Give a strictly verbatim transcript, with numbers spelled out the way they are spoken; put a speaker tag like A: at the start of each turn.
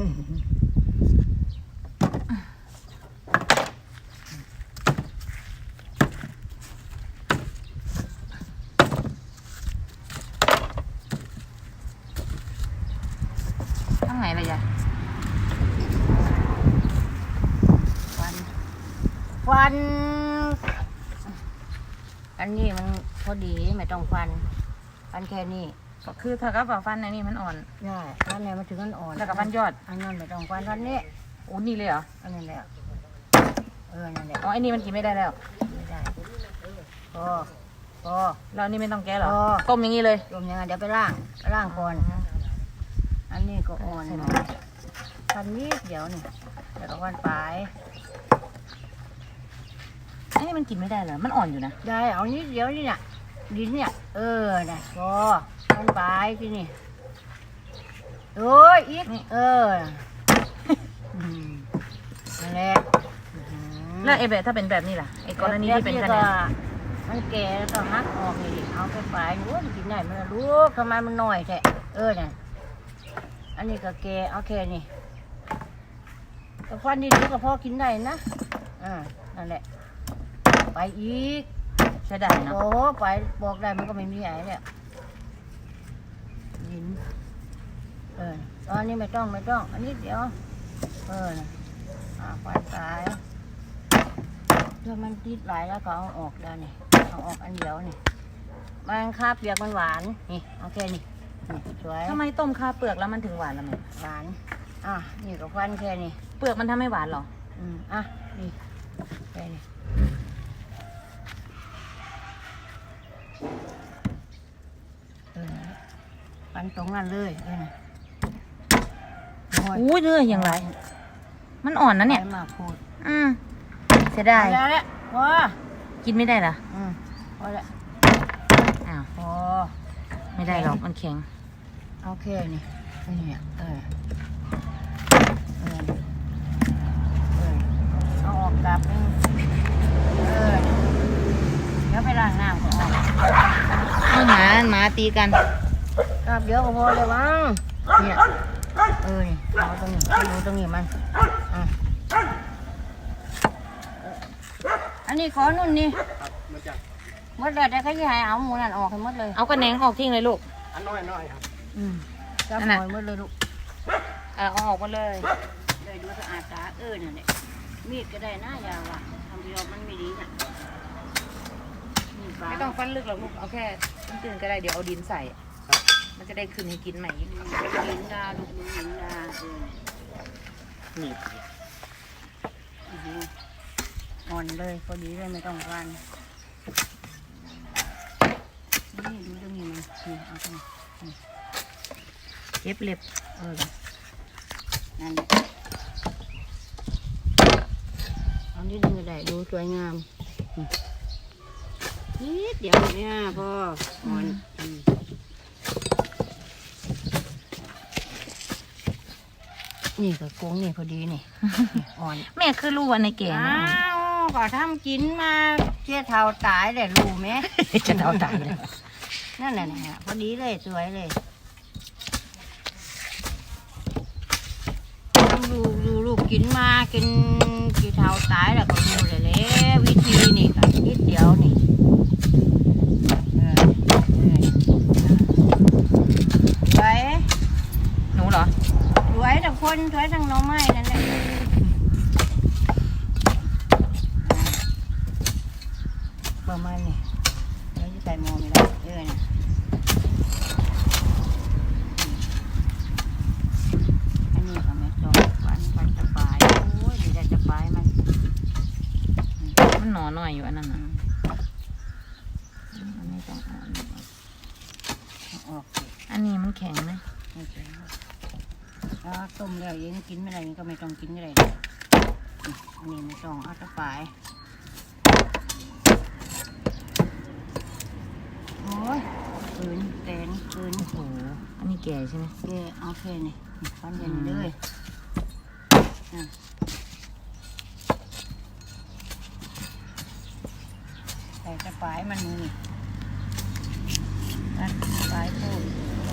A: ข้างไหนเลยยายฟันฟันอันนี้มันพอดีไม่ต้องฟันฟันแค่นี้
B: ก็คือถ้ากับฟันในนี่มันอ่อน
A: ใช่ฟันไหนมันถึงมันอ่อน
B: แล้วกับฟันยอด
A: อันนั้นไม่ต้องฟันฟันนี้
B: โอ้นี่เลยเหรอ
A: อันนี้แหละเออนั่นแหละ
B: อ๋อไอ้นี่มันกินไม่ได้แล้ว
A: ไม่ได้พอพอ
B: แล้วนี่ไม่ต้องแก้หรอ
A: พอ
B: ต้มอย่างนี้เลย
A: ต้มยังไงเดี๋ยวไปล่างล่างก่อนอันนี้ก็อ่อนฟันนิดเดี๋ยวนี่เดี๋ยวก็ฟันปลาย
B: ไอ้นี่มันกินไม่ได้เหรอมันอ่อนอยู่นะ
A: ได้เอานิดเดี๋ยวนี่เนี่ยดินเนี่ยเออนะพอฟันปลายที่นี่โอ้ยอีกเออนั่นแหละ
B: แล้วไอ้แบบถ้าเป็นแบบนี้ล่ะไอ้กรณีที่เป็นขนาด
A: มันแก่แล้วก็หักออกนี่เอาไปปลายโอ้ยกินได้มันลูกทำไมมันน้อยแท้เออเนี่ยอันนี้ก็แก่เอาแค่นี้ก็ฟันดีๆก็พอกินได้นะอ่านั่นแหละไปอีก
B: ใช่ได้เนาะ
A: โอ้ไปบอกได้มันก็ไม่มีไอ้เนี่ยยินเออตอนนี้ไม่ต้องไม่ต้องอันนี้เดี๋ยวเอออ่าไฟสายถ้ามันติดหลายแล้วก็เอาออกแล้วนี่เอาออกอันเดียวนี่มันคาเปียกมันหวานนี่โอเคนี่นี่สวย
B: ทำไมต้มคาเปลือกแล้วมันถึงหวานละแม่
A: หวานอ่ะนี่ก็ฟันแค่นี้
B: เปลือกมันทำให้หวานหรอ
A: อืมอ่ะนี่แค่นี้เออฟันตรงนั้นเลยเออ
B: อุ้ยเนื้ออย่างไรมันอ่อนนะเนี่ย
A: มาพูด
B: อืมเสียดาย
A: แล้วแหละพอ
B: กินไม่ได้เหรอ
A: อืมพอแล้ว
B: อ้าว
A: พอ
B: ไม่ได้หรอกมันแข็ง
A: โอเคนี่นี่เออเออเออเอาออกกลับนึงเออเดี๋ยวไปล้างน้ำก่อน
B: เอาหมาหมาตีกัน
A: กลับเดี๋ยวก็พอเลยมั้งเนี่ยเออนี่เอาตรงนี้ดูตรงนี้มันอ่ะอันนี้ขอนุ่นนี่หมดเลยแต่เขาจะให้เอาหมูนั่นออกให้หมดเลย
B: เอากระแหนงออกทิ้งเลยลูก
A: อันน้อยน้อยครับอืมจับหอยหมดเลยลูก
B: เออเอาออกมาเลย
A: เลยดูสะอาดสะอาดเออเนี่ยมีดก็ได้นะยาวอ่ะทำประโยชน์มันไม่ดีน่ะ
B: ไม่ต้องฟันลึกหรอกลูกเอาแค่ตื้นๆก็ได้เดี๋ยวเอาดินใส่มันจะได้คืนให้กินใหม่
A: ดินดาลูกดินดาเออนี่อ่อนเลยพอดีเลยไม่ต้องฟันนี่ดูตรงนี้มันนี่เอาตรงนี้
B: เย็บเล็บ
A: เออนั่นเอานิดนึงก็ได้ดูสวยงามนิดเดียวเนี่ยพ่ออ่อนนี่ก็โค้งนี่พอดีนี่อ่อน
B: แม่คือรู้ว่าในเก๋
A: อ้าวก็ทำกินมาเชี่ยเท่าตายแต่รู้ไหม
B: จะเท่าตายเลย
A: นั่นแหละพอดีเลยสวยเลยทำลูกลูลูกกินมากินกี่เท่าตายแล้วก็รู้เลยแหละวิธีนี่ก็นิดเดียวนี่สวย
B: หนูเหรอ
A: สวยแต่คนสวยทั้งน้องไม้นั่นแหละประมาณนี้เราจะใส่หม้อไม่ได้เออนะอันนี้ก็ไม่ต้องวันวันจะปลายโอ้ยไม่ได้จะปลายมัน
B: มันหนอหน่อยอยู่อันนั้นนะอันนี้ต้องอ่อน
A: ออก
B: อันนี้มันแข็งไหม
A: ไม่แข็งถ้าต้มแล้วยังกินไม่ได้ยังก็ไม่ต้องกินอะไรอันนี้ไม่ต้องเอาจะปลายโอ้ยปืนแตนปืน
B: โอ้โหอันนี้แก่ใช่ไหม
A: แก่โอเคนี่ฟันเย็นเลยใส่กระป๋ายมันนี่กระป๋ายพูด